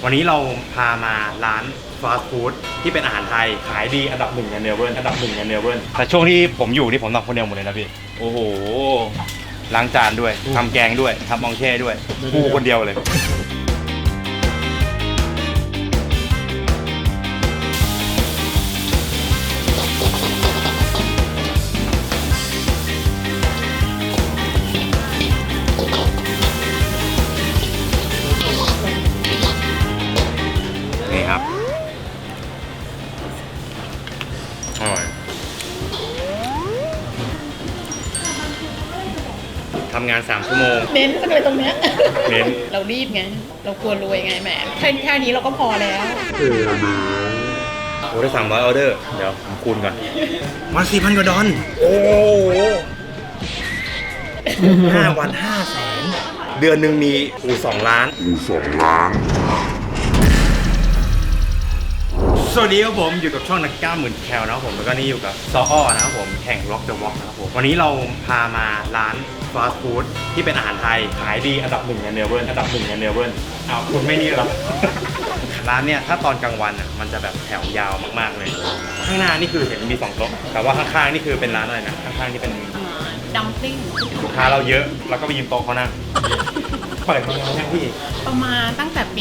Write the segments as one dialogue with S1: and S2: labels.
S1: วันนี้เราพามาร้านฟาสต์ฟู้ดที่เป็นอาหารไทยขายดีอันดับหนึ่งในเมลเบิร์นแต่ช่วงที่ผมอยู่นี่ผมทำคนเดียวหมดเลยนะพี่โอ้โหล้างจานด้วยทำแกงด้วยทำมองเช่ด้วยกูคนเดียวเลยนี่ครับอร่อยทำงาน3 ชั่วโมง
S2: เน้นสักเลยตรงเนี้ย
S1: เน้น
S2: เรารีบไง เรากลัวรวยไงแหมแค่นี้เราก็พอแล้ว
S1: โอ้ได้300 ออเดอร์เดี๋ยวผมคูณก่อนมา4,000 กว่าดอลโอ้โห5 วัน 500,000 เดือนหนึ่งมี2 ล้านสวัสดีครับผมอยู่กับช่องนักกล้ามหมื่นแคลนะครับผมแล้วก็นี่อยู่กับซออ้อนะครับผมแข่ง Rock the Walk นะครับผมวันนี้เราพามาร้านฟาสต์ฟู้ดที่เป็นอาหารไทยขายดีอันดับหนึ่งในเมลเบิร์นอ้าวคุณไม่นี่หรอ ร้านเนี่ยถ้าตอนกลางวันอ่ะมันจะแบบแถวยาวมากๆเลยข้างหน้านี่คือเห็นมี2 โต๊ะแต่ว่าข้างๆนี่คือเป็นร้านอะไรนะข้างๆนี่เป็น
S2: ดัมพลิ้ง
S1: ลูกค้าเราเยอะแล้วก็ไปยืมโต๊ะเขานั่งเปิดมานานยังพี่
S2: ประมาณตั้งแต่ปี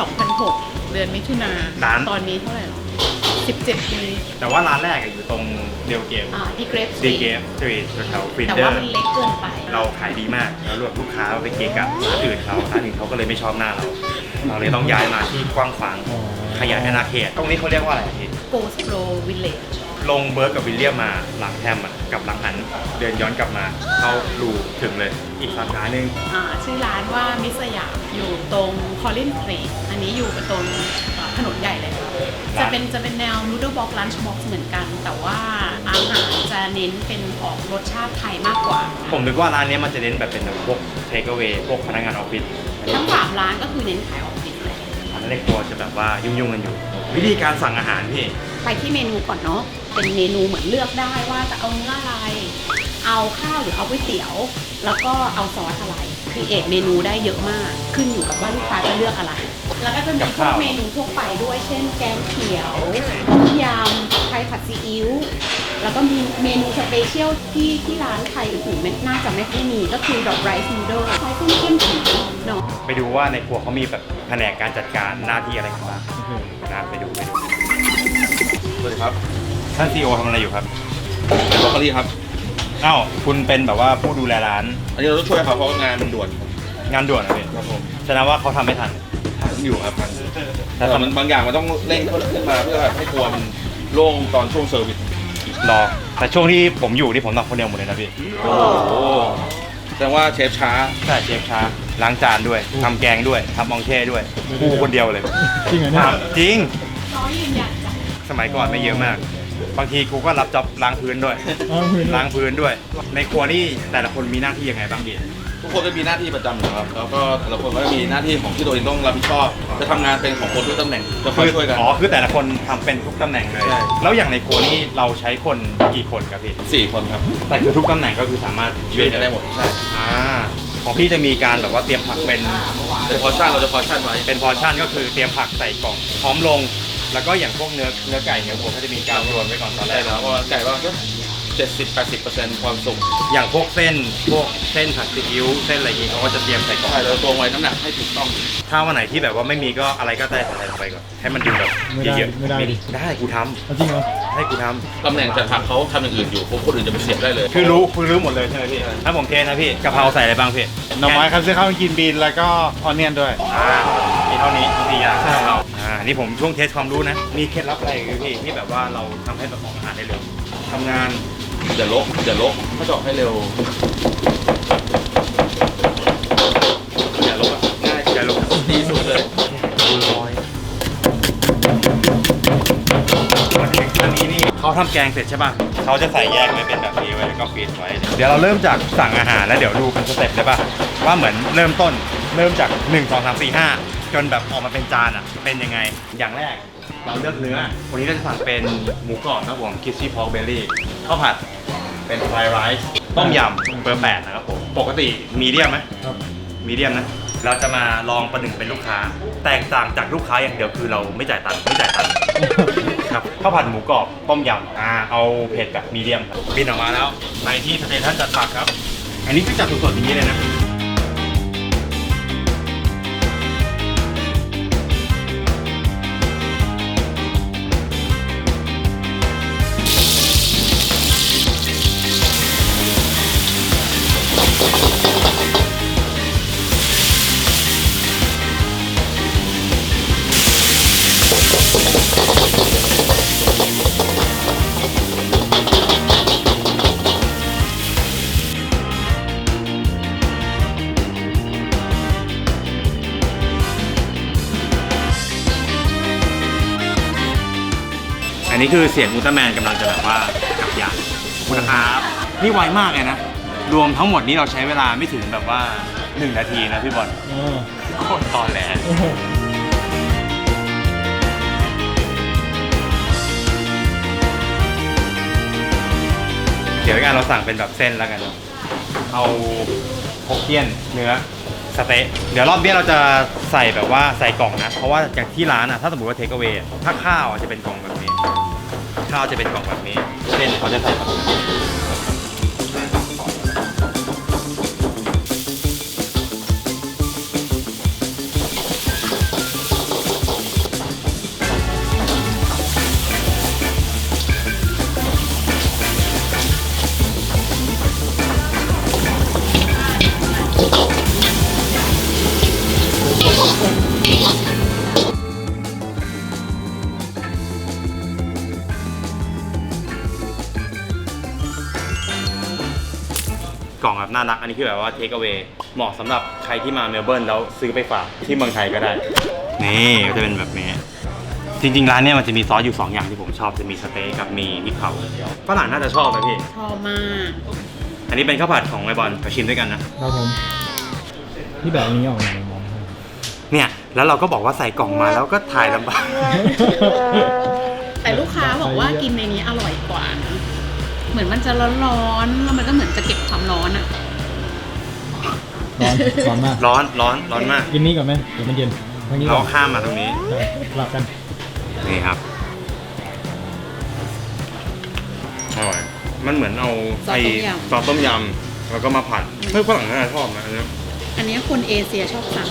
S2: 2006 เดือนมิถุนา
S1: ร้าน
S2: ตอนนี้เท่าไหร่หรอ17 ปี
S1: แต่ว่าร้านแรกอยู่ตรงเดียวเกม
S2: ที่เกรฟสต
S1: ดี
S2: รี
S1: เกมสตรีทแถวฟิน
S2: แต่
S1: เดอ
S2: ว่า
S1: ร์
S2: มันเล็กเกินไป
S1: เราขายดีมากแล้วลูกค้าไปเกะกะร้านอื่นเขาก็เลยไม่ชอบหน้าเราเลยต้องย้ายมาที่กว้างขวางขยายอาณาเขตตรงนี้เขาเรียกว่าอะไรพี่
S2: โกสโปรวิลเลจ
S1: ลงเบิร์กกับวิลเลียมมาหลังแฮมอ่ะกับหลังหันเดินย้อนกลับมาเข้าลูถึงเลยอีกสาขาหนึ่ง
S2: ชื่อร้านว่ามิสยามอยู่ตรงคอลลินสตรีทอันนี้อยู่ตรงถนนใหญ่เลยจะเป็นแนวนูโดบ็อกลันช์บ็อกเหมือนกัน แต่ว่าอาหารจะเน้นเป็นออกรสชาติไทยมากกว่า
S1: ผมนึกว่าร้านนี้มันจะเน้นแบบเป็นแบบพวกเทคเอาเวย์พวกพนักงานออฟฟิศ
S2: ทั้ง3ร้านก็คือเน้นขายออฟฟิศเลย
S1: ร้านในครัวจะแบบว่ายุ่งๆกันอยู่ วิธีการสั่งอาหารพี่
S2: ไปที่เมนูก่อนเนาะเป็นเมนูเหมือนเลือกได้ว่าจะเอาเนื้ออะไร เอาข้าวหรือเอาก๋วยเตี๋ยว แล้วก็เอาซอสอะไรคือเมนูได้เยอะมากขึ้นอยู่กับว่าลูกค้าจะเลือกอะไร แล้วก็จะมีพวกเมนูทั่วไปด้วยเช่นแกงเขียวต้มยำไทยผัดซีอิ๊วแล้วก็มีเมนูสเปเชียลที่ร้านไทยอื่นๆน่าจะไม่ค่อยมีก็คือดอกไรซ์นูโดลใช้เส้นเข้มสีเนาะ
S1: ไปดูว่าในครัวเขามีแบบแผนกการจัดการหน้าที่อะไรกันบ้างนะไปดู
S3: สวัสดีครับ
S1: ท่านซีโอทำอะไรอยู่ครับ
S3: เป็นบรอกโคลี่ครับ
S1: อ้าวคุณเป็นแบบว่าผู้ดูแลร้าน
S3: อันนี้เราต้องช่วยเขาเพราะงานมันด่วน
S1: งานด่วนนะพี่
S3: ครับผม
S1: แสดงว่าเขาทำไม่ทัน
S3: ถามอยู่ครับมัน
S1: แต่
S3: แต่มันบางอย่างมันต้องเร่งขึ้นมาเพื่อแบบให้ครัวมันโล่งตอนช่วงเซอร์วิส
S1: รอแต่ช่วงที่ผมอยู่นี่ผมทำคนเดียวหมดเลยนะพี่
S3: โอ้โหแสดงว่าเชฟช้า
S1: ใช่เชฟช้าล้างจานด้วยทำแกงด้วยทำมองเช่ด้วยกูคนเดียวเลย
S4: จริงเหรอเนี่ย
S1: จริง
S2: เขายืนยันจ้ะ
S1: สมัยก่อนไม่เยอะมาก บางทีกูก็รับจ็อบล้างพื้นด้วย ล้างพื้นด้วย ในครัวนี่แต่ละคนมีหน้าที่ยังไงบ้างพี่
S3: ทุกคนก็มีหน้าที่ประจำอยู่ครับแล้วก็แต่ละคนก็มีหน้าที่ของที่ตัวเองต้องรับผิดชอบ จะทำงานเป็นของคนทุกตำแหน่งจะคอยช่วยกัน
S1: อ๋อคือแต่ละคนทำเป็นทุกตำแหน่งเลย
S3: ใช่
S1: แล้วอย่างในครัวนี่เราใช้คนกี่คนครับพี่
S3: 4 คนครับ
S1: แต่คือทุกตำแหน่งก็คือสามารถ
S3: ช่วยกันได้หมดใช่
S1: อ่าของพี่จะมีการแบบว่าเตรียมผักเป็น
S3: เป็นพอร์ชั่นเราจะพอร์ชั่นไว้
S1: เป็นพอร์ชั่นก็คือเตรียมผักใส่กล่องพร้อมลง แล้วก็อย่างพวกเนื้อไก่เนื้อวัวก็จะมีการรวนไว้ก่อนตอนแร
S3: ได้
S1: ก
S3: แล้วว่าไก่ว่าก็70-80%ความสุก
S1: อย่างพวกเส้นผัดซีอิ๊วเส้นอะไรอย่างงี้เขาก็จะเตรียมใส่กล่อง
S3: ใช่เราตวงไว้น้ำหนักให้ถูกต้อง
S1: ถ้าวันไหนที่แบบว่าไม่มีก็อะไรก็ได้ใส่ลงไปก่อนให้มันดูแบบ
S4: ไม่ได้
S1: เยอะ
S4: ไม่ได้ดิ
S1: ได้กูท
S4: จริงเหรอ
S1: ำให้กูทำ
S3: ตำแหน่งจัดผักเขาทำอย่างอื่นอยู่พวกคนอื่นจะไปเสียบได้เลย
S1: คือรู้หมดเลยใช่ไหมพี่ถ้าผมเทสนะพี่กะเพราใส่อะไรบ้างพี่
S4: หน่อไม้ครับซื้อข้าวกินบีนแล้วก็ออนเนียนด้วย
S1: มีเท่านี้4 อย่าง
S4: ใช่ครับ
S1: นี่ผมช่วงเทสความรู้นะมีเคล็ดลับอะไรไหมพี่ที่แบบว่าเราทำให้แบบออกอาหารได้เร็วทำงาน
S3: อย่าลกถ้าเจาะให้เร็ว
S1: อย่าลบอ่ะง่ายอย่าลบ
S3: ดีสุดเลย
S1: อันนี้นี่เขาทำแกงเสร็จใช่ป่ะเขาจะใส่แยกไว้เป็นแบบนี้ไว้แล้วก็ฟรีซไว้เดี๋ยวเราเริ่มจากสั่งอาหารแล้วเดี๋ยวดูเป็นสเต็ปได้ป่ะว่าเหมือนเริ่มจาก1 2 3 4 5จนแบบออกมาเป็นจานอ่ะเป็นยังไงอย่างแรกเราเลือกเนื้อวันนี้เราจะสั่งเป็นหมูกรอบนะครับผมคิสซี่พอร์กเบลลี่ข้าวผัดเป็นฟรายไรซ์ต้มยำเบอร์ 8นะครับผมปกติมีเดียมไหม
S4: ครับ
S1: มีเดียมนะเราจะมาลองประหนึ่งเป็นลูกค้า แตกต่างจากลูกค้าอย่างเดียวคือเราไม่จ่ายตังค์ครับข้าวผัดหมูกรอบต้มยำเอาเผ็ดแบบมีเดียมครับบินออกมาแล้วไปที่สเตชันจัดผักครับ อันนี้คือจัดสดๆอย่างนี้เลยนะอันนี้คือเสียงอุลตร้าแมนกำลังจะแบบว่ากับยานคุณครับนี่ไวมากเลยนะ รวมทั้งหมดนี้เราใช้เวลาไม่ถึงแบบว่า 1 นาทีนะพี่บอลโคตรตอนแหลเดี๋ยวกันเราสั่งเป็นแบบเส้นแล้วกัน เอาฮกเกี้ยนเนื้อสเต๊ะเดี๋ยวรอบนี้เราจะใส่แบบว่าใส่กล่องนะ เพราะว่าอย่างที่ร้านถ้าสมมติว่าเทคเอาเวย์ถ้าข้าวจะเป็นกล่องแบบนี้ ข้าวจะเป็นกล่องแบบนี้เส้นเขาจะใส่แบบนี้กล่องแบบน่ารักอันนี้คือแบบว่าเทคเอา a y เหมาะสำหรับใครที่มาเมลเบิร์นแล้วซื้อไปฝากที่เมืองไทยก็ได้ นี่ก็จะเป็นแบบนี้ จริงๆร้านเนี้ยมันจะมีซอสอยู่ 2 อย่างที่ผมชอบจะมีสเต๊กกับมีพริกเผาฝรั่งน่าจะชอบนะพี่
S2: ชอบมาก
S1: อันนี้เป็นข้าวผัดของไอบอลมาชิมด้วยกันนะครับ
S4: ผมที่แบบนี้ออกมาในมอง
S1: เนี่ยแล้วเราก็บอกว่าใส่กล่องมาแล้วก็ถ่ายลำบาก
S2: แต่ลูกค้าบอกว่ากินในนี้อร่อยกว่านะเหมือนมันจะร้อนๆแล้วมันก็เหมือนจะเก็บความร้อนอะ
S4: ร้อนมาก
S1: ร้อนมาก
S4: กินนี้ก่อนไหมเดี๋ยวมันเย็นทางนี้
S1: เรา
S4: ก่อน
S1: ข้ามมาตรงนี้
S4: กลับกัน
S1: นี่ครับอร่อยมันเหมือนเอาซอสต้มยำแล้วก็มาผัดเฮ้ยฝรั่งน่าจะชอบนะอันนี้
S2: อันนี้คนเอเชียชอบสั่ง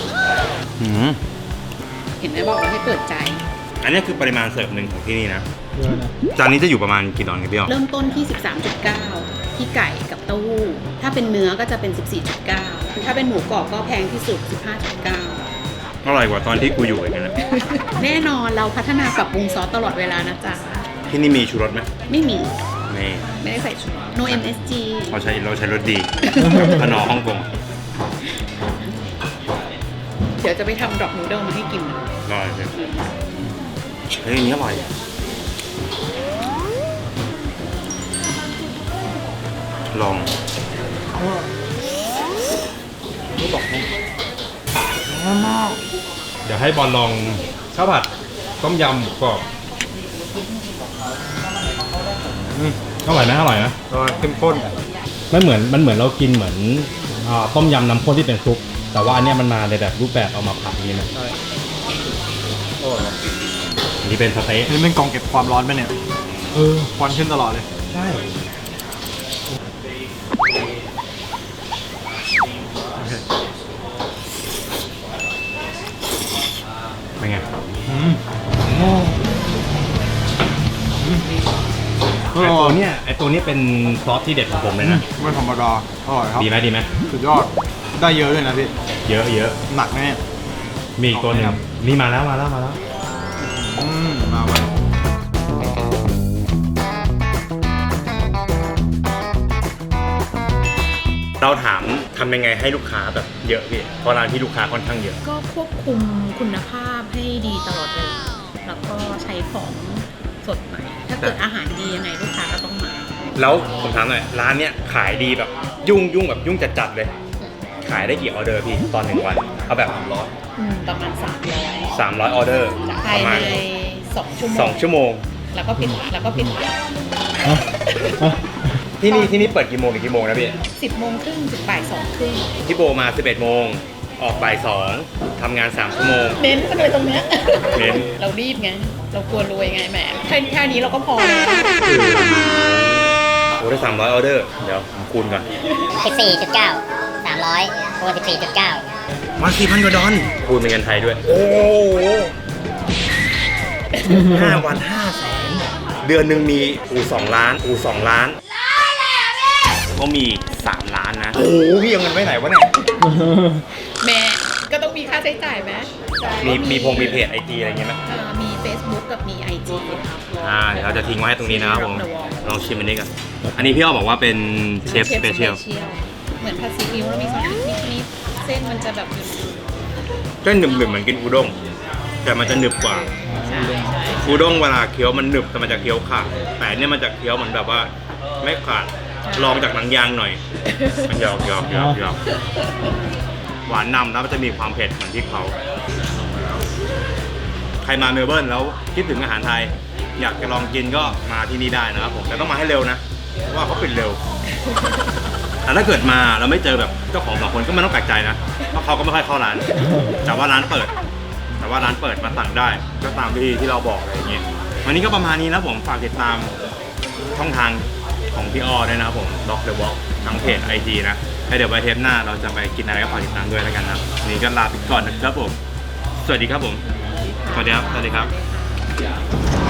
S2: เห็นไหมบอกว่าให้เปิดใจ
S1: อันนี้คือปริมาณเสิร์ฟหนึ่งของที่นี่นะ
S4: เยอะนะ
S1: จานนี้จะอยู่ประมาณกี่ดอนครับพี่อ๋อ
S2: เริ่มต้นที่ 13.9 ที่ไก่กับเต้าหู้ ถ้าเป็นเนื้อก็จะเป็น 14.9 ถ้าเป็นหมูกรอบก็แพงที่สุด 15.9
S1: อร่อยกว่าตอนที่กูอยู่อีกนะ
S2: แน่นอนเราพัฒนาปรับปรุงซอสตลอดเวลานะจ๊ะ
S1: ที่นี่มีชูรสไหม
S2: ไม่มี
S1: นี่
S2: ไม่ได้ใส่ชูรส no MSG
S1: เราใช้รสดีพนอฮ่องกง
S2: เดี๋ยวจะไปทำดอกนูเดิลมาให้กินนะ
S1: อร่อยใช่เฮ้ยอันนี้อร่อยลองเดี๋ยวให้บอลลองข้าวผัดต้มยำกรอบอร่อยไหมอร่อยนะเข้มข้นมันเหมือนเรากินเหมือนต้มยำน้ำข้นที่เป็นซุปแต่ว่าอันเนี้ยมันมาในแบบรูปแบบเอามาผัดอย่างนี้นะอันนี้เป็นสเต๊ก
S4: นี่เป็นกล่องเก็บความร้อนไหมเนี่ยควันขึ้นตลอดเลย
S1: ใช่เป็นไงไอตัวเนี้ยเป็นซอสที่เด็ดของผมเลยนะ
S4: ไม่ธรรมดาอร่อยครับ
S1: ดีไหม
S4: สุดยอดได้เยอะด้วยนะพี่
S1: เยอะ
S4: หนักแน่
S1: มีอีกตัวหนึ่งนี่มาแล้ว
S4: มาไว้
S1: เราถามทำยังไงให้ลูกค้าแบบเยอะพี่เพราะร้านที่ลูกค้าค่อนข้างเยอะ
S2: ก็ควบคุมคุณภาพให้ดีตลอดเวลา แล้วก็ใช้ของสดใหม่ ถ้าเกิดอาหารดียังไงลูกค้าก็ต้องมา
S1: แล้วผมถามหน่อยร้านเนี้ยขายดีแบบยุ่งแบบยุ่งจัดๆเลย ขายได้กี่ออเดอร์พี่ตอน1 วันเอาแบบ300
S2: ประมาณ300
S1: ออเดอร์
S2: ภาย
S1: ประมาณ
S2: ใน2 ชั่วโมง
S1: 2 ชั่วโมง
S2: แล้วก็ปิด
S1: ที่นี่เปิดกี่โมงถึงกี่โมงนะพี่
S2: 10 โมงครึ่งถึงบ่าย 2 ครึ่ง
S1: พี่โบมา11 โมงออกบ่ายสองทำงาน3 ชั่วโมง
S2: เน้นกันเลยตรงเนี้ย
S1: เน้น
S2: เรารีบไง เรากลัวรวยไงแหมแค่นี้เราก็พอแล้ว
S1: โอ้ได้300 ออเดอร์ เดี๋ยวผมคูณก่อน
S5: 14.9 300คูณ14.9
S1: มา4,000 กว่าดอลคูณเป็นเงินไทยด้วย โอ้โห5 วัน5 แสน เดือนหนึ่งมี2 ล้าน2 ล้าน ก็มี3 ล้านนะ โอ้โหพี่เอาเงินไว้ไหนวะเนี่ย
S2: แม่ก็ต้องมีค่าใช้จ่ายไหม
S1: มีเพจไอจีอะไรเงี้ยไหม
S2: มี Facebook กับมี IG
S1: เดี๋ยวเราจะทิ้งไว้ให้ตรงนี้นะครับผม ลองชิมอันนี้กัน อันนี้พี่อ้อบอกว่าเป็นเชฟสเปเชียล
S2: เหมือนผัดซีอิ๊วแล้วมีซอสนิดๆเส้นมันจะแบบ
S1: เส้นหนึบๆเหมือนกินอุด้งแต่มันจะหนึบกว่า
S2: ใช่ใช่
S1: อุด้งเวลาเคี้ยวมันหนึบแต่มันจะเคี้ยวขาดแต่อันเนี่ยมันจะเคี้ยวเหมือนแบบว่าไม่ขาดลองจากหนังยางหน่อยมันหยอกหวานนำแล้วมันจะมีความเผ็ดเหมือนที่เขาใครมาเมลเบิร์นแล้วคิดถึงอาหารไทย อยากจะลองกินก็มาที่นี่ได้นะครับผมแต่ต้องมาให้เร็วนะเพราะว่าเขาปิดเร็วแต่ถ้าเกิดมาเราไม่เจอแบบเจ้าของ2 คนก็ไม่ต้องแปลกใจนะเพราะเขาก็ไม่ค่อยเข้าร้านแต่ว่าร้านเปิดมาสั่งได้ก็ตามที่เราบอกอะไรอย่างเงี้ยวันนี้ก็ประมาณนี้นะผมฝากติดตามช่องทางของพี่อ้อด้วยนะครับผม Dog the Walk ทั้งเพจ IG นะให้เดี๋ยวไว้เทปหน้าเราจะไปกินอะไรก็ฝากติดตามด้วยแล้วกันนะวันนี้ก็ลาไปก่อนนะครับผมสวัสดีครับผมสวัสดีครับ